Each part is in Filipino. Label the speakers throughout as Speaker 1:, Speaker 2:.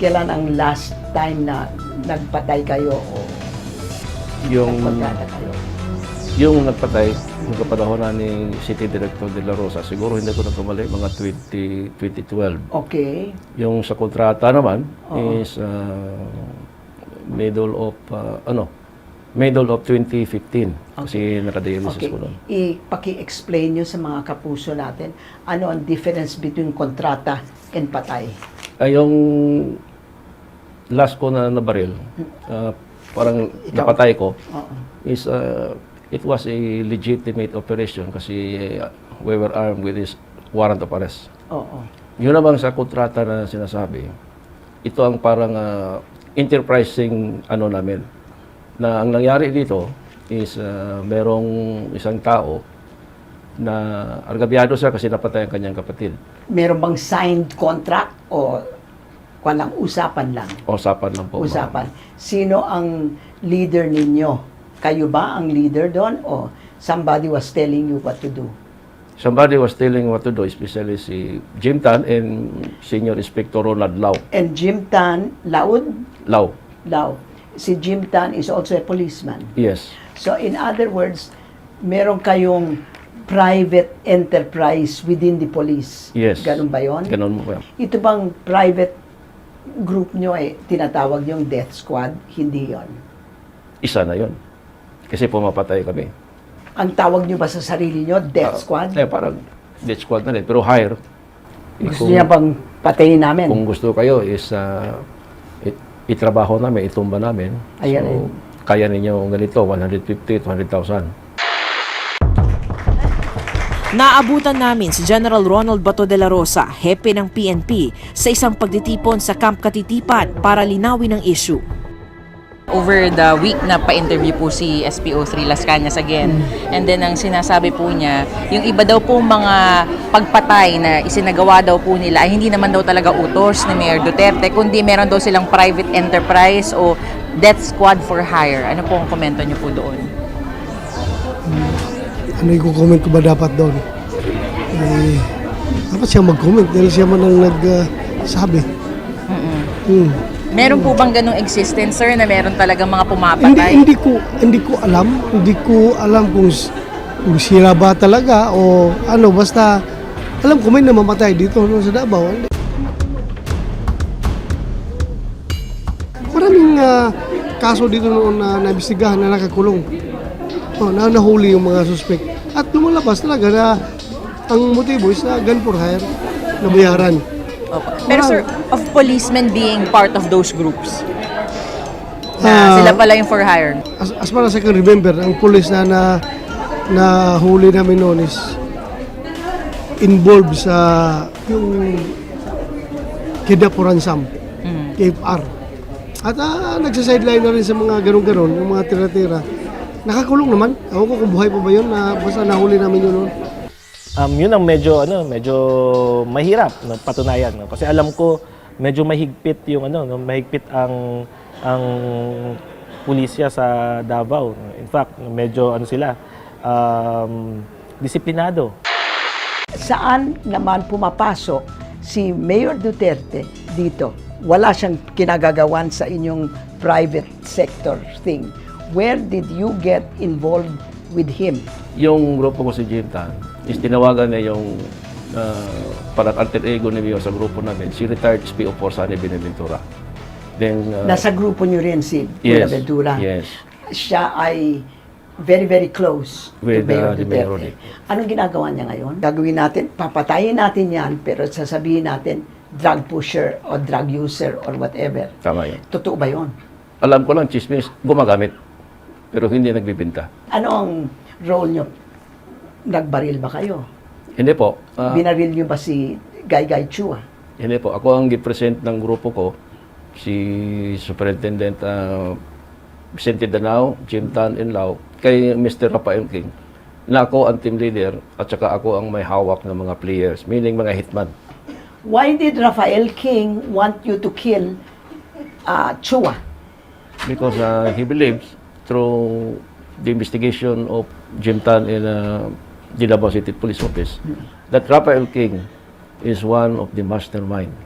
Speaker 1: Kailan ang last time na nagpatay kayo o
Speaker 2: Yung,
Speaker 1: nagpagkata kayo?
Speaker 2: yung nagpatay, yung kapanahonan ni City Director De La Rosa, siguro hindi ko nagkamali, mga 2012.
Speaker 1: Okay.
Speaker 2: Yung sa kontrata naman
Speaker 1: Oo.
Speaker 2: is middle of 2015. Kasi nakadialysis
Speaker 1: Okay.
Speaker 2: ko noon.
Speaker 1: Ipaki-explain nyo sa mga kapuso natin ano ang difference between kontrata and patay.
Speaker 2: Ay, yung last ko na nabaril, parang
Speaker 1: Ikaw?
Speaker 2: napatay ko,
Speaker 1: Oo.
Speaker 2: is it was a legitimate operation kasi we were armed with this warrant of arrest.
Speaker 1: Oo.
Speaker 2: Yun naman sa kontrata na sinasabi, ito ang parang enterprising ano namin, na ang nangyari dito is merong isang tao na argabyado siya kasi napatay ang kanyang kapatid.
Speaker 1: Meron bang signed contract o walang usapan lang?
Speaker 2: Usapan lang po. ma'am.
Speaker 1: Usapan. Sino ang leader ninyo? Kayo ba ang leader doon o somebody was telling you what to do?
Speaker 2: Somebody was telling what to do, especially si Jim Tan and Senior Inspector Ronald Lau.
Speaker 1: And Jim Tan,
Speaker 2: Lau,
Speaker 1: Lau. Si Jim Tan is also a policeman.
Speaker 2: yes.
Speaker 1: So in other words, meron kayong private enterprise within the police.
Speaker 2: Yes.
Speaker 1: Ganun ba yun?
Speaker 2: Ganon mo po yan.
Speaker 1: Ito bang private group nyo ay tinatawag yung death squad? Hindi yon.
Speaker 2: Isa na yon. Kasi pumapatay kami.
Speaker 1: Ang tawag nyo ba sa sarili nyo, death squad?
Speaker 2: Parang death squad na rin, pero higher.
Speaker 1: Gusto niya bang patayin namin?
Speaker 2: Kung gusto kayo is itrabaho namin, itumba namin.
Speaker 1: Ayan,
Speaker 2: So, kaya ninyo ganito, 150 to 100,000.
Speaker 3: Naabutan namin si General Ronald Bato de la Rosa, hepe ng PNP, sa isang pagtitipon sa Camp Katitipan para linawin ang issue.
Speaker 4: Over the week na pa-interview po si SPO3 Las Cañas again. And then ang sinasabi po niya, yung iba daw po mga pagpatay na isinagawa daw po nila ay hindi naman daw talaga utos ni Mayor Duterte, kundi meron daw silang private enterprise o death squad for hire. Ano po ang komento niyo po doon?
Speaker 5: Ano yung comment ko ba dapat doon? Dapat siya mag-comment dahil siya man ang nagsabi.
Speaker 4: Meron po bang ganong existence, sir, na meron talagang mga pumapatay?
Speaker 5: Hindi ko alam. Hindi ko alam kung sila ba talaga o ano. Basta alam ko may namamatay dito no, sa Davao. Maraming kaso dito noon na naimbestigahan na nakakulong. Na nahuli yung mga suspect. At lumalabas talaga na ang motibo is na gun for hire, nabayaran.
Speaker 4: Pero sir, of policemen being part of those groups, na sila pala yung for hire.
Speaker 5: As far as I can remember, ang police na huli namin noon is involved sa yung kidnap for ransom, KFR. At nagsa-sideline na rin sa mga ganun-ganon, yung mga tira-tira. Nakakulong naman. Ako ko kung buhay pa ba yun, basta nahuli namin yun noon.
Speaker 6: Yun ang medyo mahirap no, patunayan no? Kasi alam ko medyo mahigpit yung mahigpit ang pulisya sa Davao. In fact, medyo sila disiplinado.
Speaker 1: Saan naman pumapasok si Mayor Duterte dito? Wala siyang kinagagawan sa inyong private sector thing. Where did you get involved with him?
Speaker 2: Yung grupo ko si Jim Tan is tinawagan niya yung parang alter ego ni Mayor sa grupo namin, si retired SPO4 Sunny Benaventura. Then,
Speaker 1: Nasa grupo niyo rin si
Speaker 2: yes,
Speaker 1: Buenaventura.
Speaker 2: yes.
Speaker 1: Siya ay very, very close
Speaker 2: With,
Speaker 1: to Mayor
Speaker 2: the Mayor
Speaker 1: Duterte.
Speaker 2: Rodrick.
Speaker 1: Anong ginagawa niya ngayon? Gagawin natin, papatayin natin yan, pero sasabihin natin, drug pusher or drug user or whatever.
Speaker 2: Tama yun.
Speaker 1: Totoo ba yun?
Speaker 2: Alam ko lang, chismis, gumagamit. Pero hindi nagbibinta.
Speaker 1: Ano ang role niyo? Nagbaril ba kayo?
Speaker 2: Hindi po.
Speaker 1: Binaril niyo ba si Guy Chua?
Speaker 2: Hindi po. Ako ang gipresent ng grupo ko, si Superintendent Vicente Danao, Jim Tan and Lau, kay Mr. Rafael King, na ako ang team leader at saka ako ang may hawak ng mga players, meaning mga hitman.
Speaker 1: Why did Rafael King want you to kill Chua?
Speaker 2: Because he believes through the investigation of Jim Tan in the Davao City Police Office that Rafael King is one of the mastermind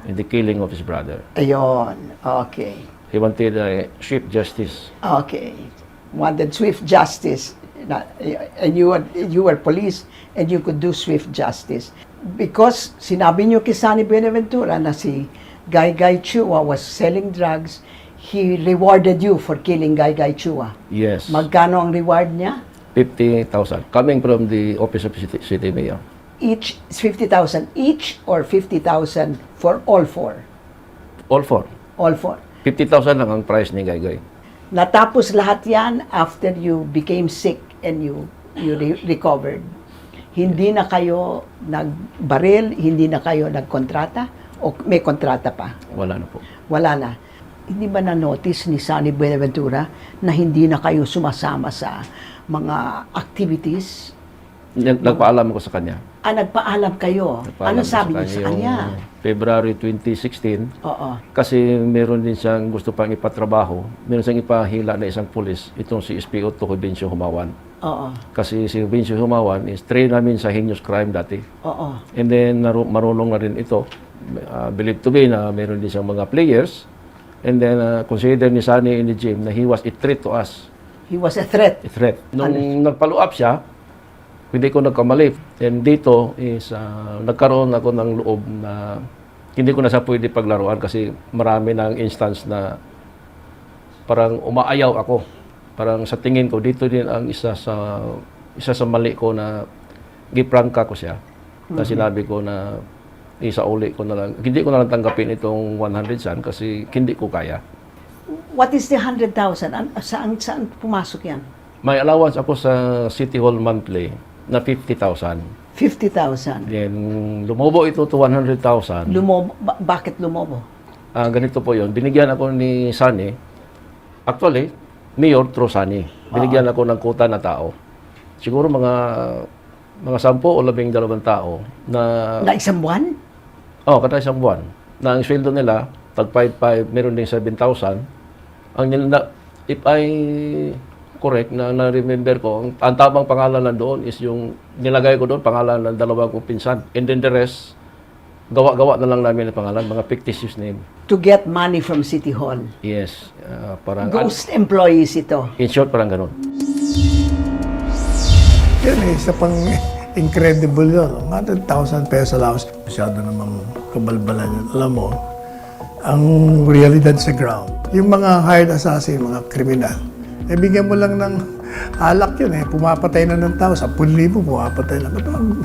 Speaker 2: in the killing of his brother.
Speaker 1: Ayon. Okay.
Speaker 2: He wanted swift justice.
Speaker 1: Okay. Wanted swift justice. And you were police and you could do swift justice. Because sinabi niyo kay Sunny Buenaventura na si Guy Guy Chua was selling drugs, he rewarded you for killing Guy Guy Chua.
Speaker 2: Yes.
Speaker 1: Magkano ang reward niya?
Speaker 2: 50,000 coming from the office of city mayor.
Speaker 1: Each 50,000 each or 50,000 for all four?
Speaker 2: All four.
Speaker 1: All four.
Speaker 2: 50,000 lang ang price ni Gaygay.
Speaker 1: Natapos lahat yan after you became sick and you recovered. Hindi na kayo nagbaril, hindi na kayo nagkontrata o may kontrata pa?
Speaker 2: Wala na po.
Speaker 1: Wala na. Hindi ba na-notice ni Sunny Buenaventura na hindi na kayo sumasama sa mga activities?
Speaker 2: Nagpaalam ko sa kanya.
Speaker 1: Nagpaalam kayo. Ano
Speaker 2: Nagpaalam ko
Speaker 1: sabi niyo sa
Speaker 2: yung
Speaker 1: kanya?
Speaker 2: February 2016.
Speaker 1: Oo.
Speaker 2: Kasi meron din siyang gusto pang ipatrabaho. Meron siyang ipahila na isang pulis. Itong si SPO Tukoy Bencio Humawan.
Speaker 1: Oo.
Speaker 2: Kasi si Bencio Humawan is trained namin sa heinous crime dati.
Speaker 1: Oo.
Speaker 2: And then marunong na rin ito. Believed to be na meron din siyang mga players. And then consider ni Sunny in the gym na he was a threat to us.
Speaker 1: He was a threat.
Speaker 2: A threat. Nung nag-follow up siya, hindi ko nagkamali. And dito is nagkaroon ako ng loob na hindi ko na siya pwede paglaruan kasi marami ng instance na parang umaayaw ako. Parang sa tingin ko, dito din ang isa sa mali ko na giprangka ko siya. Na sinabi ko na isauli ko na lang. Hindi ko na lang tanggapin itong 100 san kasi hindi ko kaya.
Speaker 1: What is the 100,000? Saan pumasok yan?
Speaker 2: May allowance ako sa City Hall monthly na 50,000.
Speaker 1: 50,000.
Speaker 2: Then lumobo ito to 100,000.
Speaker 1: Lumobo. Bakit lumobo?
Speaker 2: Ganito po yon. Binigyan ako ni Sunny. Actually, Mayor through Sunny. Binigyan ako ng kuta na tao. Siguro mga 10 o 12 tao na
Speaker 1: Na isang buwan?
Speaker 2: kada isang buwan. Na ang sweldo nila, tag 5,500, meron din 7,000. If I correct na remember ko, ang tamang pangalan na doon is yung nilagay ko doon, pangalan ng dalawang kong pinsan. And then the rest, gawa-gawa na lang namin ang pangalan, mga fictitious name.
Speaker 1: To get money from City Hall.
Speaker 2: Yes, parang...
Speaker 1: Ghost employees ito.
Speaker 2: In short, parang ganun.
Speaker 7: Yan isa pang incredible yun. 100,000 pesos allowance. Masyado namang kabalbalan yun. Alam mo, ang realidad sa ground, yung mga hired assassin, mga kriminal, bigyan mo lang ng alak yun pumapatay na ng tao, 10,000 pumapatay na.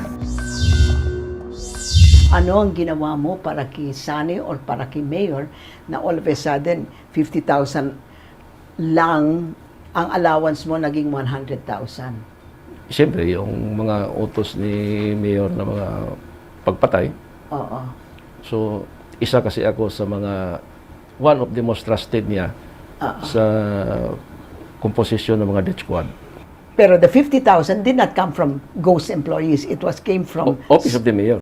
Speaker 1: Ano ang ginawa mo para kay Sunny or para kay Mayor na all of a sudden 50,000 lang ang allowance mo naging 100,000?
Speaker 2: Siyempre, yung mga utos ni Mayor na mga pagpatay.
Speaker 1: Oo.
Speaker 2: So, isa kasi ako sa mga, one of the most trusted niya sa komposisyon ng mga death squad.
Speaker 1: Pero the 50,000 did not come from ghost employees. It came from
Speaker 2: Office of the Mayor.